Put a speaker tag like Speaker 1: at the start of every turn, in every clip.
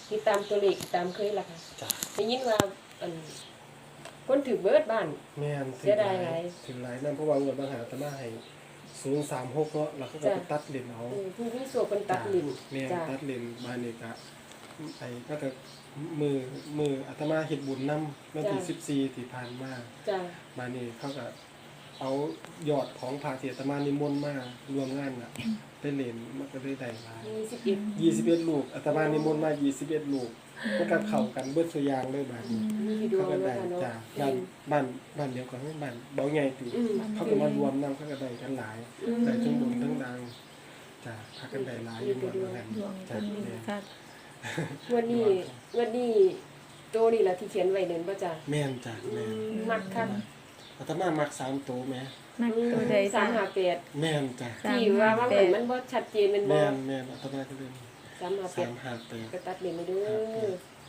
Speaker 1: ติดตามตัวเลขตามเคยล่ะค่ะ
Speaker 2: จ้ะ
Speaker 1: ได้ยินว่าอันคนถือเบิดบ้าน
Speaker 2: แม่น
Speaker 1: เสียดายหลาย
Speaker 2: ถึงหลายนั่นเพราะว่าเงินบางหาอาตมาให้036เนาะแล้วเขาก็ไปตัดเลนเอา
Speaker 1: ผู้มีส่วนเป็นตัดลิ้น
Speaker 2: แม่น
Speaker 1: จ้ะ
Speaker 2: ตัดเลนมานี่ก็ไอ้ก็จะมืออาตมาเฮ็ดบุญนำวันที่14ที่ผ่านมา
Speaker 1: จ้ะ
Speaker 2: มานี่เขาก็เอายอดของพระที่อาตมานิมนต์มารวมงานน่ะไปเล่นมันก็เลยได้หลาย 21ลูกอาตมานิมนต์มา21ลูกมันก็เข้ากันเบิดซุอย่างเลยบาดนี้
Speaker 1: มีที่ดว
Speaker 2: เขา
Speaker 1: ง
Speaker 2: ก็
Speaker 1: เนาะ
Speaker 2: ได้
Speaker 1: ค่ะเนาะ
Speaker 2: จ้ะบ้านเดียวกันบ้านเบาใหญ่ติ
Speaker 1: อืม
Speaker 2: เขาก็มารวมนำเขาก็ได้กันหลายได้ทั้งบุญทั้งดังจ้ะพากันได้หลายอยู่หมดเหมือนกัน
Speaker 3: ดวง
Speaker 2: จ้ะ
Speaker 3: เพิ่นมีค่ะ
Speaker 1: วันนี้โตนี่ล่ะที่เขียนไว้เด่นบ่จ้ะ
Speaker 2: แม่นจ้ะแม่น
Speaker 1: มักคัก
Speaker 2: อาตมามัก3ตัวแม่
Speaker 3: นักตัวใดจ้ะ
Speaker 1: 358
Speaker 2: แม่นจ้ะ
Speaker 1: ที่ว่าว่าเหมือนมันบ่ชัดเจนแม่นบ่
Speaker 2: แม่นอาตมาก็เลย
Speaker 1: 358ก็
Speaker 2: 358
Speaker 1: ตัดเล่นไปเด้อ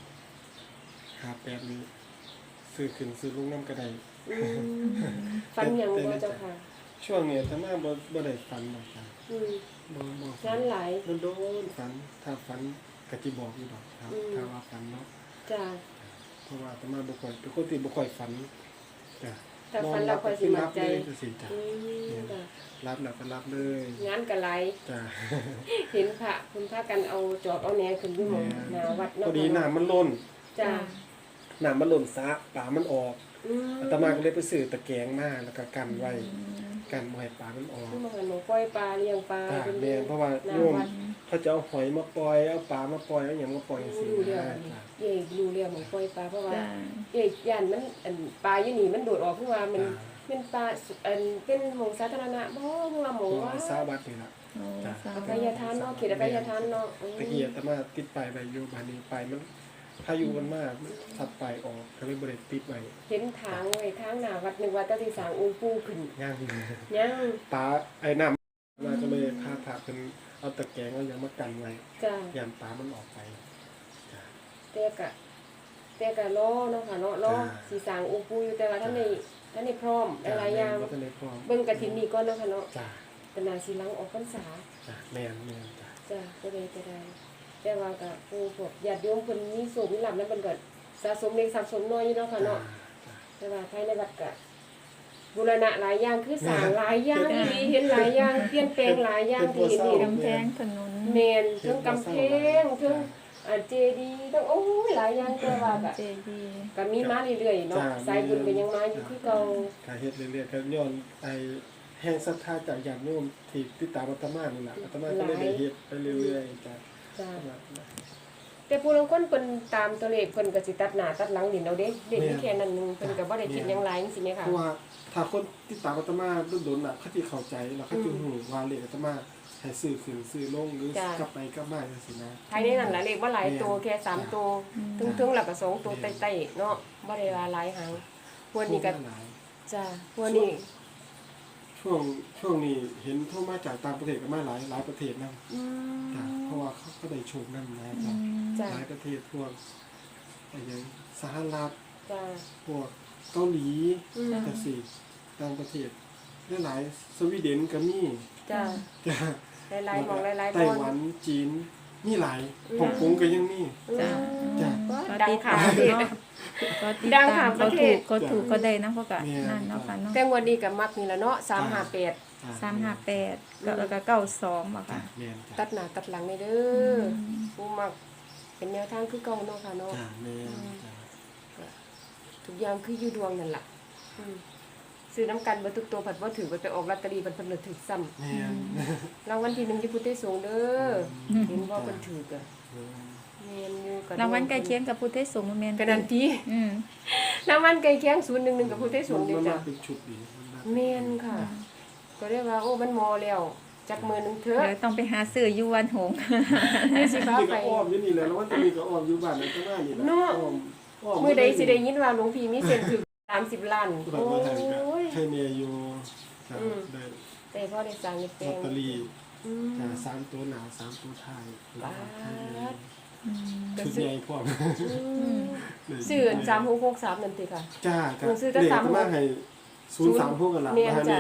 Speaker 2: 58นี้ซื้อขึ้นซื้อลงนำก็ได้
Speaker 1: ฟันหยังบ่เจ้าค่ะ
Speaker 2: ช่วงนี้อาตมาบ่ได้ฝันหรอกจ้ะ
Speaker 1: อืม
Speaker 2: บ่
Speaker 1: งานหลาย
Speaker 2: โดนฝันถ้าฝันก็สิบอกอยู่ดอกครับถ้าว่าฝันเนาะ
Speaker 1: จ้ะ
Speaker 2: เพราะว่าอาตมาบ่ค่อยเป็นคนที่บ่ค่อยฝันจ้ะ
Speaker 1: ถ้าฟันเราค่อยสิมั่นใจ
Speaker 2: นอนหลับเลยจังซี่จ้ะ
Speaker 1: จ้ะ
Speaker 2: รับแล้วก็รับเลย
Speaker 1: งานก็หลาย
Speaker 2: จ้ะ
Speaker 1: เห็นพระคุณพากันเอาจอบเอาแหนขึ้นอยู่หม้องหน้าวัด
Speaker 2: พ
Speaker 1: เนาะ
Speaker 2: อดีน้ำมันล้น
Speaker 1: จ้ะ
Speaker 2: น้ำมันล้นสระปลามันออก
Speaker 1: อืม
Speaker 2: อาตมาก็เลยไปซื้อตะแกรงมาแล้วก็กันไว้กันบ่ให้ปลามันออก
Speaker 1: คือมาหันหนูปล่อยปลาเลี้ยงปลา
Speaker 2: จ้ะ
Speaker 1: เป็น
Speaker 2: แม่นเพราะว่า
Speaker 1: หน้า
Speaker 2: โยม
Speaker 1: วัด
Speaker 2: เขาจะเอาหอยมาปล่อยเอาปลามาปล่อยเอาหยังมาปล่อยจังซี่
Speaker 1: รู้เรื่อง
Speaker 2: จ้ะ
Speaker 1: เย่รู้เรื่องของปล่อยปลาเพราะว่า
Speaker 3: จ้ะ
Speaker 1: เย่ย่านมันอันปลาอยู่นี่มันโดดออกเพราะว่ามันเป็นปลาอันเป็นหม่องสาธารณะบ่เพราะว่าหม่องว่า
Speaker 2: สาวัดนี่ล่ะ
Speaker 3: โอ้
Speaker 2: จ้ะ
Speaker 3: สา
Speaker 1: อ
Speaker 3: ธุ
Speaker 1: ภัยทานเนาะเขตอภัยทานเนาะ
Speaker 2: ตะกี้อาตมาติดป้ายไว้อยู่บ้านนี้ป้ายมันพายุมันมากสัดป้ายออกก็เลยบ่ได้ติดไว้
Speaker 1: เห็นทางไว้ทางหน้าวัดนึกว่าเจ้าที่สร้างองค์ปู่ขึ้น
Speaker 2: ย่าง
Speaker 1: ยัง
Speaker 2: ปลาไอ้น้ำมาก็เลยพาพาเป็นเอาตะแกรงเอาอย่างมากันไว้
Speaker 1: จ้ะ
Speaker 2: ยามปลามันออกไปจ้ะ
Speaker 1: แต่ก็รอเนาะค่ะเนาะรอ
Speaker 2: จ้ะ
Speaker 1: สิสร้างองค์ปู่อยู่แต่ว่าท่านนี่พร้อมหลายๆอย่าง
Speaker 2: บ่ทันได้พร้อม
Speaker 1: เบิ่งกฐินนี่ก่อนเนาะค่ะเนาะ
Speaker 2: จ้ะ
Speaker 1: เป็นนาสิหลังออกพรรษา
Speaker 2: จ้ะแม่นจ้ะ
Speaker 1: จ้ะก็ได้แต่ว่าก็ผู้พวกญาติโยมเพิ่นมีโศกมีลาภนั้นเพิ่นก็สะสมเล็กสะสมน้อยอยู่เนาะค่ะเนาะ
Speaker 2: จ้ะ
Speaker 1: แต่ว่าภายในวัดก็บูรณะหลายอย่างคือสร้างหลายอย่างอีหลีเห็นหลายอย่างเปลี่ยนแปลงหลายอย่างที่เห็นนี่
Speaker 3: กำแพงถนน
Speaker 1: แม่นทั้งกำแพงทั้งเจดีย์ทั้งโอ้ยหลายอย่างแต่ว่าก็
Speaker 3: เจดีย์
Speaker 1: ก็มีมาเรื่อยๆเนาะสายบุญก็ยังมาอยู่คือเก่า
Speaker 2: ก็เฮ็ดเรื่อยๆก็ย้อนไอ้แห่งศรัทธาจากญาติโยมที่ติดตามอาตมานี่ล่ะอาตมาก็เลยได้เฮ็ดไปเรื่อยๆจ้ะ
Speaker 1: จ้ะแต่ผู้ลางคนเพิ่นตามตัวเลขเพิ่นก็สิตัดหน้าตัดหลังดินเอาเด้เด็กมีแค่นั้นหนึงเพิ่นก็บ่ได้คิดหยังหลายจังซี่แหม
Speaker 2: เพ
Speaker 1: ค่ะ
Speaker 2: ราะว่าถ้าคนติดตามอาตมาโดนๆน่ะเขาสิเข้าใจแล้วเขาสิฮู้ว่าเลขอาตมาให้ซื้อขึ้นซื้อลงหรือกลับไปกลับมาจังซี่นะ
Speaker 1: ภายในนั้นล่ะเลขบ่หลายตัวแค่3ตัวถึงๆแล้วก็2ตัวใต้ๆเนาะบ่ได้ว่าหลายหางพวกนี้ก็
Speaker 2: หลาย
Speaker 1: จ้ะพวกนี้
Speaker 2: ช่วงนี้เห็นโทรมาจากต่างประเทศก็มาหลายประเทศนำ
Speaker 1: อืม
Speaker 2: จ้ะเพราะว่าเขาก็ได้โชคนำนะจ้ะ
Speaker 1: จ้ะ
Speaker 2: หลายประเทศพวกอย่างสหรัฐ
Speaker 1: จ้ะ
Speaker 2: พวกเกาหลี
Speaker 1: อืม
Speaker 2: จังซี่ต่างประเทศหลายๆสวีเดนก็มี
Speaker 1: จ้ะ
Speaker 2: จ้ะ
Speaker 1: หลายๆหมองหลายๆ
Speaker 2: ไต้
Speaker 1: บอ
Speaker 2: หวั
Speaker 1: ล
Speaker 2: นจีนมีหลายฮ่องกงก็ยังมี
Speaker 3: จ้ะ
Speaker 2: จ้ะ
Speaker 1: ดังข่าวประเทศ
Speaker 3: เนาะก็ติด
Speaker 1: ดัง
Speaker 3: ตา
Speaker 1: ข่าว
Speaker 3: ม
Speaker 1: ประเทศ
Speaker 3: เขาถูกก็ได้นะเพราะก็
Speaker 2: แม่
Speaker 3: นั่นเนาะค่ะเนาะ
Speaker 1: แต่งวันนี้ก็มักนี่ละเนาะ358
Speaker 3: 358แล้วก็92บ่
Speaker 2: จ้ะ
Speaker 3: ค่ะ
Speaker 2: แม่นจ้ะ
Speaker 1: ตัดหน้าตัดหลังนี่เด้อผู้มักเป็นแนวทางคือเก่าเนาะค่ะเนาะ
Speaker 2: จ้ะแม่นจ้ะ
Speaker 1: ทุกอย่างคืออยู่ดวงนั่นล่ะอืมซื้อน้ำกันบ่ทุกตัวผัดบ่ถือไปออกลอตเตอรี่เพิ่นเลยถือซ้ำ
Speaker 2: แม่น
Speaker 1: รางวัลที่1อยู่พุทธสงฆ์เด้อเห็นบ่เพิ่นถือก็แม่นอยู่ก็
Speaker 3: รางวัลใกล้เคียงกับพุทธสงฆ์แม่น
Speaker 1: ก็นั่นติ
Speaker 3: อืม
Speaker 1: รางวัลใกล้เคียง011กับพุทธสงฆ์เด้
Speaker 2: มัน
Speaker 1: จ้ะ
Speaker 2: มาเป็นชุดดีมันมา
Speaker 1: แม่นค่ะ ก็เรียกว่าโอ้มันมอแล้วจักมือหนึงเถอะ
Speaker 3: เดี๋ยวต้องไปหาซื้ออยู่วันหงส์
Speaker 1: ให้สิพา
Speaker 2: นี่
Speaker 1: ไป
Speaker 2: ก็อ้อมอยู่นี่แหละแล้วว่าจะมีก็อ้อมอยู่บ้านนั่นก็น่านี่แหละ
Speaker 1: เนาะ
Speaker 2: อ้อม
Speaker 1: มื้อใดสิได้ยินว่าหลวงพี่มีเส้นถึง30 ล้าน
Speaker 2: แบบ
Speaker 1: โอ้
Speaker 2: ว่าไทยก็
Speaker 1: ย
Speaker 2: ให้เมียอยู่จ้ะ
Speaker 1: อืม
Speaker 2: ได้
Speaker 1: แต่พอได้สร้างนี่แปล
Speaker 2: ลอต
Speaker 1: ง
Speaker 2: เตอรี่
Speaker 1: อืม
Speaker 2: จ้ะ3ตัวหนา3ตัวท้าย
Speaker 1: บาท
Speaker 2: ชุดใหญ่พร้อม
Speaker 1: ซื้ออัน3663นั่นติค่ะ
Speaker 2: จ้า
Speaker 1: หนูซื้อแต่
Speaker 2: เลข
Speaker 1: 36
Speaker 2: มาให้036กันล่ะ
Speaker 1: แม่น
Speaker 2: มา
Speaker 1: จ้ะ
Speaker 2: นี่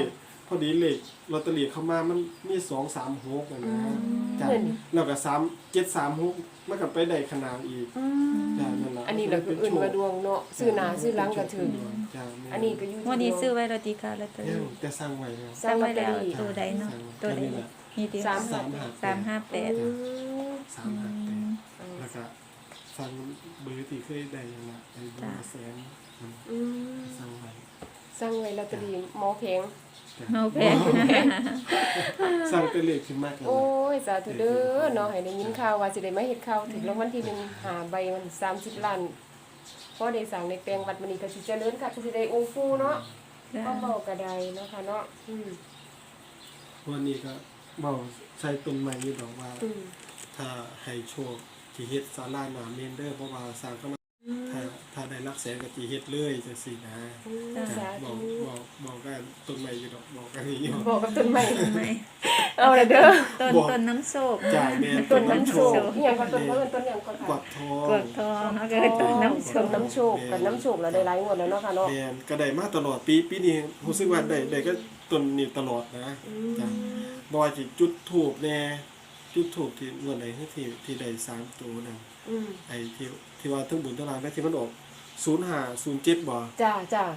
Speaker 2: พอดีเลขลอตเตอรี่เข้ามามันมี236อะนะจ้ะ
Speaker 1: เห็น
Speaker 2: แล้วก็3736มันก็ไปได้ขนาดอีกจ้ะนั่นล่ะ
Speaker 1: อันนี้เราคืออื่นว่าดวงเนาะซื้อหน้าซื้อหลังก็ถึง
Speaker 2: จ้ะแม่
Speaker 1: อันนี้ก็อยู่ที่
Speaker 3: วันนี้
Speaker 1: ดวง
Speaker 3: ซื้อไว้แล้วติค่ะลอตเตอ
Speaker 2: ยั
Speaker 3: รี่
Speaker 2: งแต่สร้างไว้แล้ว
Speaker 3: สั่งไว้แล้ว
Speaker 1: ลอตเตอรี่
Speaker 3: ตัวใดเนาะตัวใด
Speaker 2: นี่แหละ
Speaker 3: นี่ติ
Speaker 1: สาม
Speaker 3: 358
Speaker 1: อืม
Speaker 2: 358แล้วก็ฟังเบอร์ที่เคยได้ยังละไอ้เบอร์แสน
Speaker 1: อืม
Speaker 2: สร้างไว้
Speaker 1: สร้างไว้ลอตเตอรี่หมอแพง
Speaker 2: จ้ะ
Speaker 3: เอาแพง
Speaker 2: สร้างเป็นเลขขึ้นมากแล้ว
Speaker 1: โอ้
Speaker 2: นะ
Speaker 1: ยสาธุเด้อเนาะให้ได้ยินข่าวว่าสิได้มาเฮ็ดข่าวถึงรางวัลที่1หาใบมัน30ล้านพอได้สั่งในแปลงวัดมื้อนี้ก็สิเจริญค่ะก็สิได้องค์ฟูเนาะก็เว้าก็ได้เนาะค่ะเนาะ
Speaker 2: วันนี้ก็เบาใช้ต้นไม้อยู่ดอกว่า
Speaker 1: อืม
Speaker 2: ถ้าให้โชคที่เฮ็ดศาลาหน้าเมนเด้อเพราะว่าสร้างก็มาถ้าได้หลักแสนก็สิเฮ็ดเลยจังซี่นะ
Speaker 1: สา
Speaker 2: บ
Speaker 1: ธุ
Speaker 2: อกกันต้นไม้อยู่ดอกบอกกันนี่อยู่
Speaker 1: บอกกับต้นไม้
Speaker 3: ไม่
Speaker 1: เอาละเด้อ
Speaker 3: ต้นน้ำโชค
Speaker 2: จ่ายแม่น
Speaker 1: ต้
Speaker 2: ต้
Speaker 1: น
Speaker 2: น
Speaker 1: น้ำ
Speaker 2: น้ำ
Speaker 1: โช
Speaker 2: โช
Speaker 1: ค
Speaker 2: ค
Speaker 1: อีหยังก็ต้นเพิ่นต้นหยังก็
Speaker 2: ก
Speaker 1: ค่ะ
Speaker 2: วักทอง
Speaker 3: เกิดทองเนาะก็คือต้นน้ำโช
Speaker 1: ต้
Speaker 3: คน
Speaker 1: น้ำโชคกับน้ำโชคแล้วได้หลายงวดแล้วเนาะค่ะเนาะ
Speaker 2: แม่นก็ได้มาตลอดปีนี้รู้สึกว่าได้ก็ต้นนี้ตลอดนะจ้ะบ่ว่าสิจุดธูปแน่จุดธูปที่งวดใดที่ได้3ตัวนั่น
Speaker 1: อืม
Speaker 2: ไอ้ที่ว่าทั้งบุญทั้งลางได้ที่มันออก0507บ่
Speaker 1: จ้าจ้า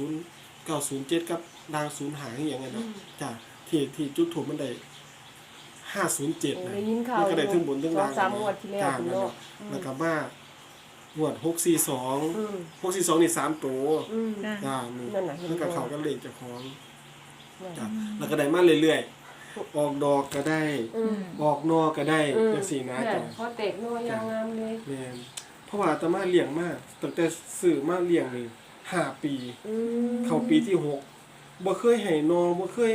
Speaker 2: 907กับดาว05อหย่างนั้นน่ะจ้ะที่จุดธูปมันได้507นะ
Speaker 1: ได้ยินข่าว
Speaker 2: มันก็ได้ทั้งบุญทั้งลาง
Speaker 1: สองสามงวดที่แล้ว
Speaker 2: จ้ะ
Speaker 1: คุณ
Speaker 2: นั่น
Speaker 1: เนาะ
Speaker 2: น่ะแล้วก็มางวด642
Speaker 1: อืม
Speaker 2: 642นี่3ตัว
Speaker 1: อืม
Speaker 3: จ้ะ
Speaker 2: จ้านี่
Speaker 1: นั่นน่ะเห็น
Speaker 2: แล้วก็เขาก็เลขเจ้าของ
Speaker 1: นั่น
Speaker 2: จ้ะแล้วก็ได้มาเรื่อยๆออกดอกก็ได้
Speaker 1: อืม
Speaker 2: ออกนอก็ได้จังซี่นะ
Speaker 1: เนี่ย
Speaker 2: จ้ะ
Speaker 1: พอเตกนัวยางงามเลย
Speaker 2: แม่นเพราะว่าอาตมาเลี้ยงมาตั้งแต่ซื้อมาเลี้ยงนี่5 ปี
Speaker 1: อืม
Speaker 2: เข้าปีที่6บ่เคยให้นอบ่เคย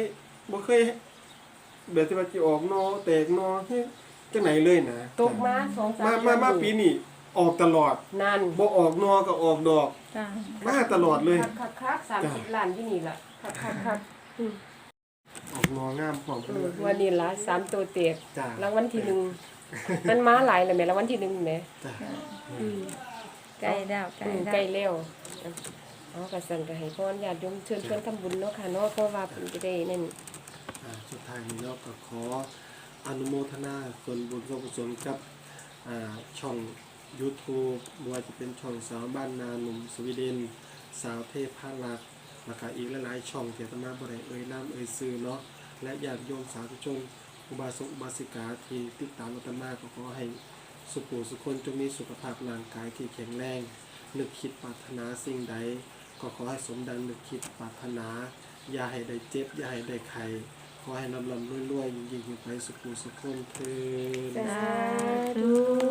Speaker 2: แบบที่ว่าสิออกนอแตกนอเฮ้ยจังไหนเลยนะ
Speaker 1: ตกมา2-3
Speaker 2: มาปีนี้ออกตลอด
Speaker 1: นั่น
Speaker 2: บ่ออกนอก็ออกดอก
Speaker 3: จ้ะ
Speaker 2: มาตลอดเลย
Speaker 1: คัก30ล้านที่นี่ล่ะคักอืม
Speaker 2: ออกนองามพร้อม
Speaker 1: อืมวันนี้ล่ะ3ตัวเตก
Speaker 2: จ้ะ
Speaker 1: รางวัลที่1มันมาหลายแล้วแม่รางวัลที่1แม่
Speaker 2: จ้ะ
Speaker 1: อืม
Speaker 3: ใกล้แล้วใกล้
Speaker 1: ใกล้
Speaker 3: แล้ว
Speaker 1: แล้วเอากระสันก็ให้พรญาติโยมเชิญเพิ่นทำบุญเนาะค่ะเนาะเพราะว่าเพิ่นจะได้นั่น
Speaker 2: สุดท้ายนี้เราก็ขออนุโมทนาส่วนบุญส่วนกุศลกับช่อง YouTube บ่ว่าจะเป็นช่องสาวบ้านนาหนุ่มสวีเดนสาวเทพพารักษ์แล้วก็อีกหลายๆช่องที่อาตมาบ่ได้เอ่ยนามเอ่ยชื่อเนาะและญาติโยมสาธุชนอุบาสกอุบาสิกาที่ติดตามอาตมาก็ขอให้สุขสุขคนจงมีสุขภาพร่างกายที่แข็งแรงนึกคิดปรารถนาสิ่งใดก็ขอให้สมดังนึกคิดปรารถนาอย่าให้ได้เจ็บอย่าให้ได้ไข้ขอให้ลำรวยๆยิ่งๆไปสุขสุขคนเถิด
Speaker 1: สาธุ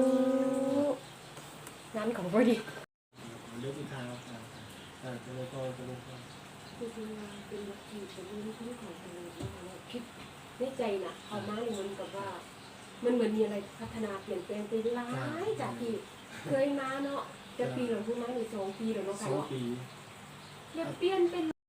Speaker 1: งานของพอดี
Speaker 2: เรื่องอีกทางจะเลยก็จะเลยก็
Speaker 1: เป็นวัตถุเป็นเรื่องที่ของทางเราคิดในใจน่ะเขามาเหมือนกับว่า มันเหมือนมีอะไรพัฒนาเปลี่ยนแปลงไปหลายจากที่เคยมาเนาะจะปีหลังเพิ่งมาใน2 ปีแล้วเนาะค่ะ
Speaker 2: 2
Speaker 1: เนาะ
Speaker 2: ปี
Speaker 1: เปลี่ยนเป็น